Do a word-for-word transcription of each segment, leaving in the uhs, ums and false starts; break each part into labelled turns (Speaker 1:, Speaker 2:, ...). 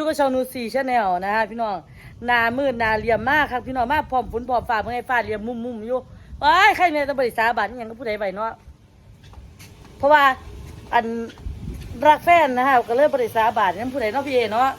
Speaker 1: กับช่องนูซี่ชาแนลนะฮะพี่น้องนามืดนาเหลี่ยมมากครับพี่น้องมากพร้อมฝนพร้อมฟ้าเพื่อให้ฟ้าเหลี่ยมมุมมุมอยู่ว้ายใครเนี่ยต้องบริษาบาทอย่างก็ผู้ใดไปเนาะเพราะว่าอันรักแฟนนะฮะก็เลยบริษาบาทนั้นผู้ใดเนาะพี่เอเนาะ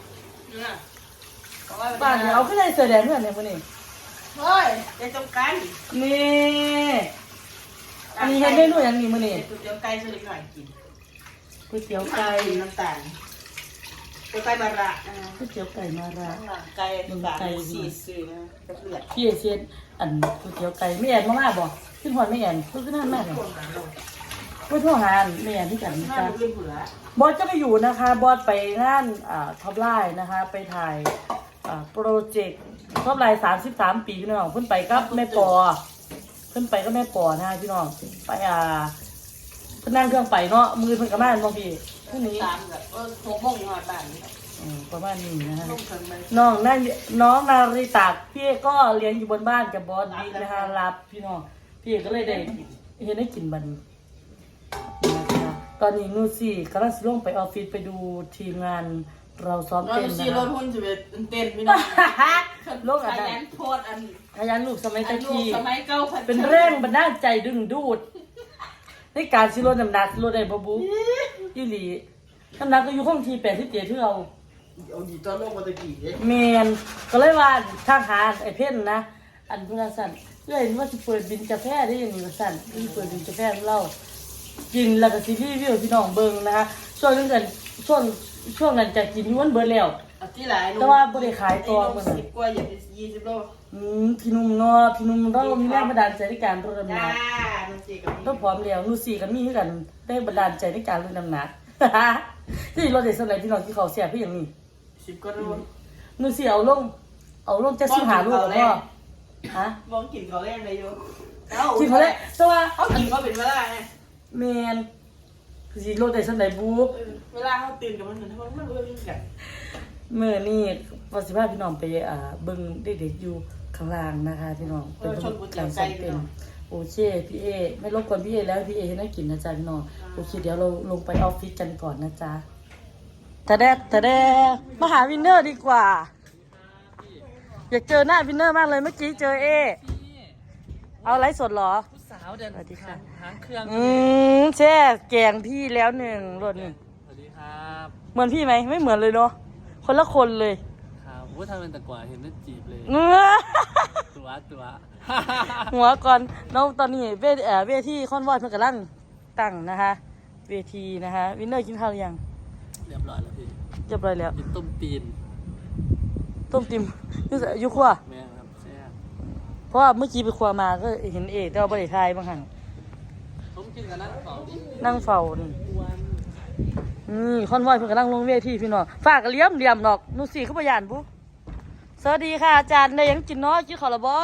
Speaker 1: บ้านเอาขึ้นในเสือแดงเพื่อนเนี่ยพวกนี้
Speaker 2: เฮ้ยจะจงกัน
Speaker 1: นี่อันนี้เห็นเมนูอย่างนี้มื้อนี้
Speaker 2: ก๋วยเตี๋ยวไก่สุดหน่อยกิน
Speaker 1: ก๋วยเตี๋ยวไก่
Speaker 2: น้ำตาลก๋วยไก่มาระ
Speaker 1: ก๋วยเตี๋ยวไก่มาระ
Speaker 2: ไก่น้ำตาลสีสีนะกระเลือด
Speaker 1: พี่เชียนอันก๋วยเตี๋ยวไก่ไม่แอนมากๆบ่ขึ้นหอนไม่แอนขึ้นนั่นมากเลยไม่ทั่วหานไม่แอนที่กันนะจ๊ะบอสจะไปอยู่นะคะบอสไปงานอ่าท็อปไลน์นะคะไปถ่ายอ่าโปรเจกต์ท็อปไลน์สามสิบสามปีพี่น้องเพิ่นไปกับแม่ปอเพิ่นไปก็แม่ปอนะพี่น้องไปอ่าเพิ่นนั่งเครื่องไปเนาะมือเพิ่นกับบ้านบางทีพรุ่งนี้
Speaker 2: ตามแบบเออหกโมงหอดบ้าน
Speaker 1: ประมาณนี้นะฮะน้องนั่นน้องนาริตาพี่ก็เลี้ยงอยู่บนบ้านกับบอสบิ๊กนะคะรับพี่น้องพี่ก็เลยได้เห็นได้กินบันนะคะตอนนี้นูซี่กำลังลงไปออฟฟิศไปดูทีมงานเราซ้อมเต้น
Speaker 2: นะคะรถหุ้นจะเป็นเต้นพี่น้อง
Speaker 1: ลงอันนั้น
Speaker 2: ขยันโพดอัน
Speaker 1: ขยันลูกสมัยตะกี้
Speaker 2: สมัยเก่า
Speaker 1: เป็นแรงบันดาลใจดึงดูดในการชิโร่น้ำหนักชิโร่ได้บ่บุยี่หลีน้ำหนักก็อยู่ห้องทีแปดที่เจ็ดที่เรา
Speaker 2: เอาดีตอนลงมาตะกี้
Speaker 1: เมนก็เลยว่าทางหาไอ้เพ่นนะอันพุทธสันเพื่อนว่าจะเปิดบินกาแฟได้ยังไงสันที่เปิดบินกาแฟเล่ากินแล้วก็ซีรีส์วิวพี่น้องเบิ้งนะคะช่วงนั้นช่วงช่วงนั้นจะกินย้วนเบิร์แล้วแต่ว่าบริขายตัวมันสิบ
Speaker 2: กว่าอย่างยี่สิบโล
Speaker 1: อืมพี่นุ่มเนาะพี่นุ่มเรามีแรงบันดาลใจในการลดน้ำหนักต้องพร้อมแล้วนูซี่กันมีคือกันได้บันดาลใจในการลดน้ำหนักที่เราได้สมัยพี่น้องที่เขาเสียพี่อย่างนี้
Speaker 2: สิบก็รู้
Speaker 1: นูซี่เอาลงเอาลงจะสิหาลูกก็ฮะ
Speaker 2: มองกินเขาแรกเลยโย
Speaker 1: กินเขาแรกแต่ว่า
Speaker 2: เขากินเขาเป็นเวลาไง
Speaker 1: แมนคือสิโลได้สมัยบุ๊บ
Speaker 2: เวลาเขาตื่นกับมันเหมือนมันมันเรื่องกัน
Speaker 1: เมื่อนี่วันสิบห้าพี่น้องไปอ่าเบิ้งเด็กๆอยู่ข้างล่างนะคะพี่น้องเป็นการซ้อมเต้นโอเคพี่เอไม่รบกวนพี่เอแล้วพี่เอให้น่ากินนะจ๊ะพี่น้องโอเคเดี๋ยวเราลงไปออฟฟิศกันก่อนนะจ๊ะแต่แดดแต่แดดมาหาวินเนอร์ดีกว่าอยากเจอหน้าวินเนอร์มากเลยเมื่อกี้เจอเอเอาไลฟ์สดเหรอ
Speaker 3: สาวเดินสวัสดีค่ะหางเครื่อง
Speaker 1: อืมแช่แกงพี่แล้วหนึ่งรถหนึ่ง
Speaker 3: สวัสดีครับ
Speaker 1: เหมือนพี่ไหมไม่เหมือนเลยเนาะคนละคนเลย
Speaker 3: ครับว่าทำเป็นตะกวาเห็นได้จีบเลย
Speaker 1: เงือ
Speaker 3: ตัวตัว
Speaker 1: หัวก่อนแล้วตอนนี้เวทเอ่อเวทีคอนวอยเพิ่งกำลังตั้งนะคะเวทีนะคะวินเนอร์กินข้าวหรือยัง
Speaker 3: เรียบร้อยแล้วพี่
Speaker 1: เรียบร้อยแล้ว
Speaker 3: กินต้มตีน
Speaker 1: ต้มติมยุ่งยุ่งขั้ว
Speaker 3: แม่ครับแซ่บ
Speaker 1: เพราะว่าเมื่อกี้ไปครัวมาก็เห็นเอกแต่ว่าบริไทยบางครั้ง
Speaker 3: ผมกินกับนั่งเฝ้าดิ
Speaker 1: นั่งเฝ้าอืมคอนวอยเพิ่งกำลังลงเวทีพี่น้องฝากเลี้ยมเลี้ยมดอกนูซี่เขาพยานบุ๊สวัสดีค่ะอาจารย์ได้ยังกินน้อยกินขอละบ่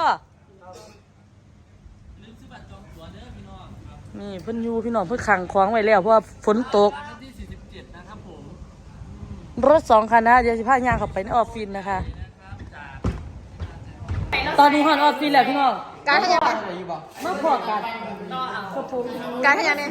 Speaker 1: นี่เพิ่นอยู่พี่น้องเพิ่นขังคล้องไว้แล้วเพราะว่าฝนตกรถสองคันนะเดี๋ยวสิพาย่างเข้าไปในออฟฟิศนะคะตอนนี้ฮอนออฟฟิศแล้วพี่น้อง
Speaker 4: การขยัน
Speaker 1: มาพอกัน
Speaker 4: การขยันเนี่ย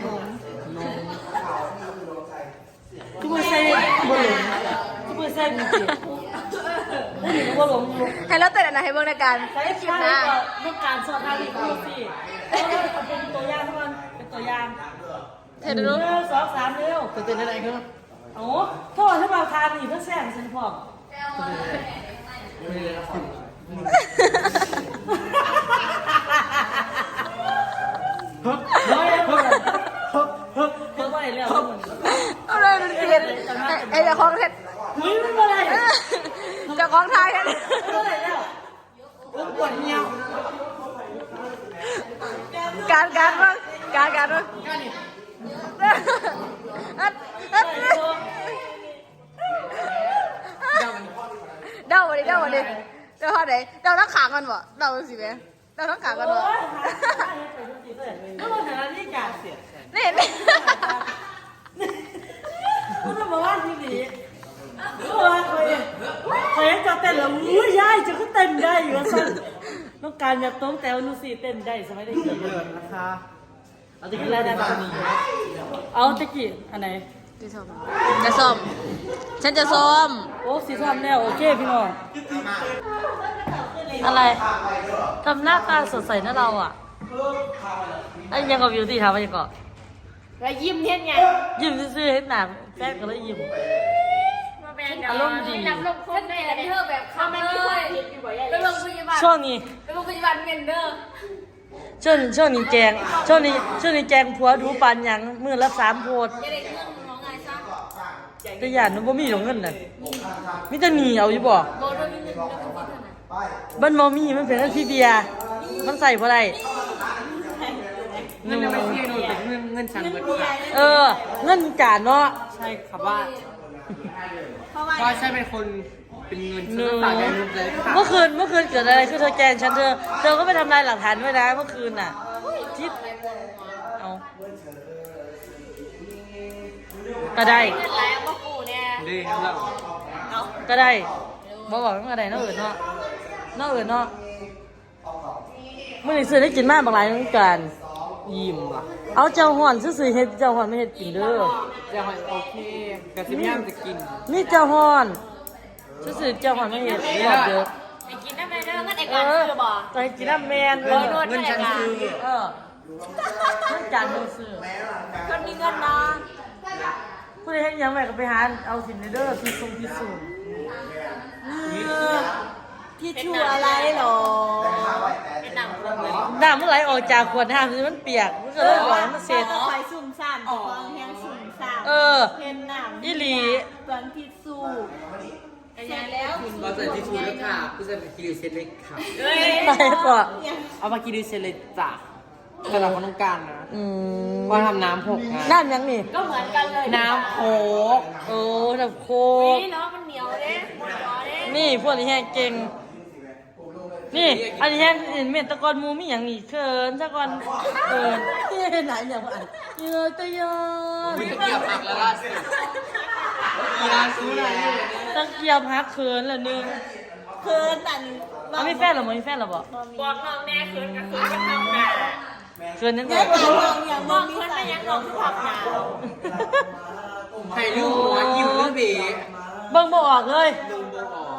Speaker 1: ทุกคนใส่บอลลูนทุกคนใส่บุกี้บอลลูน
Speaker 4: ให้เราเต้นอะไรให้เบิ่งในการ
Speaker 1: ใส่คลิปนะเมื่อการสอนทางนี้ดูสิเป็นตัวอย่างทุกคนเป็นตัวอย่าง
Speaker 4: เธอดู
Speaker 1: หนึ่งสองสามเร็ว
Speaker 3: เต้นอะไรครับ
Speaker 1: โอ้โทษถ้ามาทานอีกก็แซงฉันพอเฮ้ยเฮ้ยเฮ้ยเฮ้ยเฮ้ยแล้ว
Speaker 4: เอาเลยดูสิไอ้เจ้าของเท็ด
Speaker 1: เฮ้ยไม่เป็นไร
Speaker 4: เจ้าของไทยเท็ด
Speaker 1: ไม่เป็นไรแล้ว
Speaker 2: ปวดเหี่ยว
Speaker 4: การการมั้งการการมั้งอัดอัดเดาวันนี้เดาวันนี้เดาเท่าไหร่เดาทั้งขากันบ่เดาสิแม่เดาทั้งขากันบ่
Speaker 1: ก็มาแต่ละนี่การเสีย
Speaker 4: นี่นี่
Speaker 1: ก็ต้องมาว่าที่นี่ก็ว่าเคยเคยจะเต้นแล้วอุ้ยยายจะก็เต้นได้อยู่สั้นต้องการอยากต้มแต่วนูซี่เต้นได้สมัยเด็กๆนะคะเอาตะกี้อะไรได้บ้างเอาตะกี้อันไหน
Speaker 4: จะซ้อมจะซ้อมฉันจะซ้อม
Speaker 1: โอ้สีทำแล้วโอเคพี่น้องอะไรทำหน้าตาสดใสนะเราอ่ะไอ้ยังกับบิวตี้ทำไปก่อน
Speaker 4: แล้วยิ้มเฮ็ดไง
Speaker 1: ยิ้มซื่อๆให้หนาแฟนก็เลยยิ้มอารมณ์ดี
Speaker 4: นับลงคนได้เธอแบบเข้ามาเลยไปโรงพยาบาล
Speaker 1: ช่วงนี้
Speaker 4: ไปโรงพยาบาลเมนเดอร์
Speaker 1: ช่วงช่วงนี้แจงช่วงนี้ช่วงนี้แจงผัวดูปานหยังมือละสามโพด
Speaker 4: จะได้เงินน้องไงซะ
Speaker 1: แต่หยาดมันบ่มีหรอกเงินน่ะมีแต่หนีเอาอยู่บ่
Speaker 4: โบด้วยมีเงินแล้วมีเงินนะ
Speaker 1: มันบ่มีมันเป็นอันที่เบียร์มันใส่บ่ได้
Speaker 3: เงินไม่ใช่เงินแต่เงินเงินฉันเบิดค่ะ
Speaker 1: เออเงินจานเนาะ
Speaker 3: ใช่ครับว่าก็ใช่เป็นคนเป็นเงินฉันฝากแกนุ๊กเลยค่ะ
Speaker 1: เมื่อคืนเมื่อคืนเกิดอะไรขึ้นเธอแกล้งฉันเธอเธอก็ไปทำลายหลักฐานไว้นะเมื่อคืนน่ะที่เอาก็ได้
Speaker 4: เงินแล้วก็ปู่เนี่ย
Speaker 3: ดีครับเรา
Speaker 1: ก็ได้บ่บอกมันก็ได้เนาะเอิญเนาะเนาะเอิญเนาะมื้อนี้ซื้อได้กินมากบางหลายเหมือนกัน
Speaker 3: ยิ้มว่ะ
Speaker 1: เอาเจ้าห่อนซื้อๆเฮ็ดเจ้าห่อนไม่เฮ็ดกินเด้อ
Speaker 3: จะหอยโอเคกระซิบย่ามจะกิน
Speaker 1: นี่เจ้าห่อนซื้อๆเจ้าห่อนไม่เฮ็ดรอบเด้อ
Speaker 4: ไอ้กินได้ไหมเด้อเงินไอ้
Speaker 1: เอ
Speaker 4: การ
Speaker 1: อ
Speaker 4: ซื้อบ่
Speaker 1: ไปกินน้ำแมนเออ
Speaker 3: เงินฉันซื้อ
Speaker 1: เออเงินจานมือซื้อ
Speaker 4: คนมีเงินเนาะ
Speaker 1: ผู้ใดเฮ็ดหยังไว้ก็ไปหาเอาสินเด้อที่ทรงที่สูง
Speaker 4: พี่ชูอะไรหรอเป็นหนังคนเลย
Speaker 1: น้ำมันไหลออกจากขวดน้ำนี่มันเปียกมันก็เลยไหลมันเสร็จ
Speaker 5: คอยสุ่มสามฟองแห้งสุ่มสาม
Speaker 1: เออ
Speaker 5: เพ็นหนาม
Speaker 1: อีหลี
Speaker 5: เปลืองทิชชู่
Speaker 4: เสร็จแล้ว
Speaker 3: เราใส่ทิชชู่แล้วค่ะพี่จะไปกินเซเล็กค่ะ
Speaker 1: ไหลก่อน
Speaker 3: เอามากินเซเล็กจ้ะสำหรับคนต้องการนะ
Speaker 1: อืม
Speaker 3: ว่าทำน้ำหกไง
Speaker 1: น้ำยังนี่
Speaker 4: ก็เหมือนกันเลย
Speaker 3: น้ำโคก
Speaker 1: โอ้น้ำโคก
Speaker 4: นี่เนาะมันเหนียวเด้เหนียวเด้
Speaker 1: นี่พวกนี้แห้งเก่งนี่อันนี้แห้งเห็นเม็ดตะกอนหมูมีอย่างนี้เขินตะกอนเขินที่เห็นไหนอย่างว่าเยอะตะยอน
Speaker 3: มีตะเกียบหักแล้วล่าสุดกีฬาซื้ออะไรอยู่เนี่ย
Speaker 1: ตะเกียบหักเขินละนึง
Speaker 5: เพิ่นอัน
Speaker 1: เอามีแฟนหรอมีแฟนหรอบ่
Speaker 4: บอกน้องแน่คืนกับคืนกับทำงาน
Speaker 1: เขินนั่น
Speaker 5: แค่
Speaker 1: แหละ
Speaker 5: ปลาทองอย่าง
Speaker 4: บ
Speaker 5: บ่
Speaker 4: อก
Speaker 5: มี
Speaker 4: เพื่อน
Speaker 5: ใส่
Speaker 4: ไม่ยังบอกคือผักหนาว
Speaker 3: ไข่ลูกหัวยิ้มหรือเบ๋
Speaker 1: เบิ่งบ่ออกเลย
Speaker 3: ดึงโบออก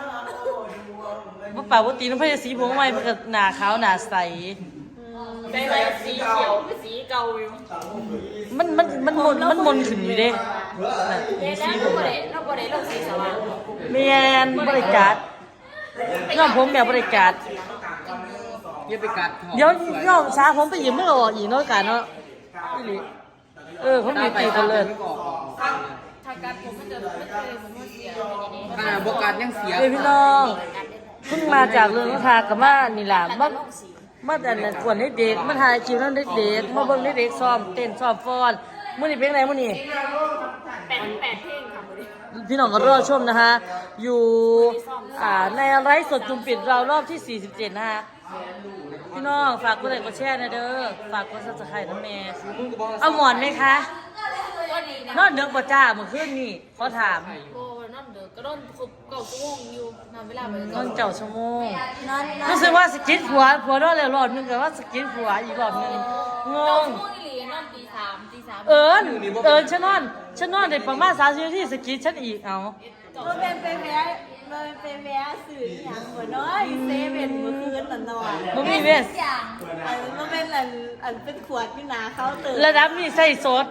Speaker 1: บ่ปากบ่ตีน้ำพายสีผมใหม่มันก็หน้าขาวหน้าใส
Speaker 4: ใบใบสีเขียวคือสีเก่าอยู่
Speaker 1: มันมันมันมนมันมนขึ้นอยู่เด้น่ะ
Speaker 4: เดี๋ยวแล้วเราบ่ได้เราบ่ได้ลงสีสว่าง
Speaker 1: แม่นบ่ได้จัดน้องผมแบบบ่ได้จัด
Speaker 3: อย่าไปกัดถอ
Speaker 1: เดี๋ยวน้องสาวผมไปยืมมันก็ออกอีกเนาะกันเนาะอีหลีเออผมมีตีกันเลย
Speaker 3: ไม่บอก
Speaker 4: ถ้าการผมมันจะไม่เคยผมมันเสียอย่างนี้
Speaker 3: ขนาดบกัดยังเสีย
Speaker 1: เอ้ยพี่น้องเพิ่งมาจากเรือนราคากับมานี่ล่ะมามาแต่นั้นกวนให้เด็กมาถ่ายคลิปนั้นเด็กๆมาเบิ่งเด็กๆซ้อมเต้นซ้อมฟ้อนมื้อนี้เป็นไงมื้อนี้
Speaker 4: แปดแปดเพลงค่ะ
Speaker 1: พี่น้องก็รอชมนะคะ อยู่อ่าในไลฟ์สดจุ่มปิดเรารอบที่สี่สิบเจ็ดนะคะพี่น้องฝากกดไลค์กดแชร์นะเด้อฝากกด Subscribe นะแม่เอาหมอนไหมคะ
Speaker 4: ก็ดีนะ
Speaker 1: นอนเดือกบ่จ้าเมื่อคืนนี่ขอถาม
Speaker 4: โบนั่นเด้อก็โดนครบเก่าชั่วโมงอยู่นอนเวลาไป
Speaker 1: น
Speaker 4: ก็
Speaker 1: อนเจ้าชั่วโมง
Speaker 5: นอนนอน
Speaker 1: รู้สึกว่าสกิดหัวหัวนอนแล้วรอบนึงแต่ว่าสกิดหัวอีกรอบนึงง
Speaker 4: เก่าง ชั่วโมงอีหลีนอนตีสามตีสาม
Speaker 1: เอิญเอิญฉันนอนฉันนอนได้ประมาณสามสิบนาทีสกิดฉันอีกเอา
Speaker 5: มันเป็นไปแม้มันเป็นแม้สื่ออย่างหัวน้อยเซเว่นเมื่อคืนละนอน
Speaker 1: บ่มีเวส
Speaker 4: อย่าง
Speaker 5: อันมันเป็นอันอันเป็นขวดที่นาเขาน์เตื่น
Speaker 1: ระดับนี้ใส่สด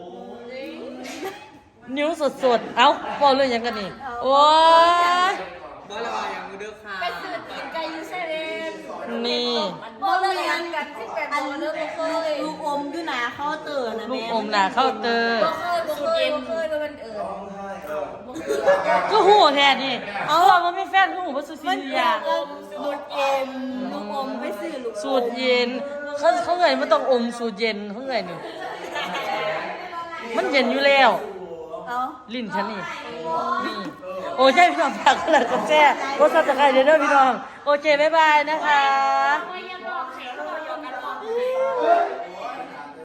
Speaker 1: นิ้วสดสดๆเอ้าพอเรื่องหยังกันนี่โอ้ย
Speaker 3: บอลละวาอย่างมือเด้อค่ะ
Speaker 4: ไปซื้อตีนไก่ยูเซเว่น
Speaker 1: นี่
Speaker 4: โบเลิกงานกันสิบแปด
Speaker 5: อัน
Speaker 4: โมงเลิกบ่เคย
Speaker 5: ลูกอมที่นาเขาน์เตื่นนะ
Speaker 1: ลู
Speaker 5: แม่
Speaker 1: กอมหนาเข้าน์เตอร์
Speaker 4: บ่เคยบ่เคยบ่เคยบ่เป็นเอิญบ่เคย
Speaker 1: ก็หูแทนนี่เอาว่ามันไม่แฟนก็หูว่าสุสี
Speaker 5: มัน
Speaker 1: ยา
Speaker 5: เกี่ยวกับลูกเอ็มลูกอมไปซื้อลูกอม
Speaker 1: สูตรเย็นเขาเขาเงยมันต้องอมสูตรเย็นเขาเงยนี่มันเย็นอยู่แล้ว
Speaker 5: เอา
Speaker 1: ลิ้นฉันนี่นี่โอเคพี่น้องฝากกันเลยกับแจ้รถสับตะไคร้เด้อพี่น้องโอเคบ๊ายบายนะคะ
Speaker 4: ไม่ยังบอกแข็งเลย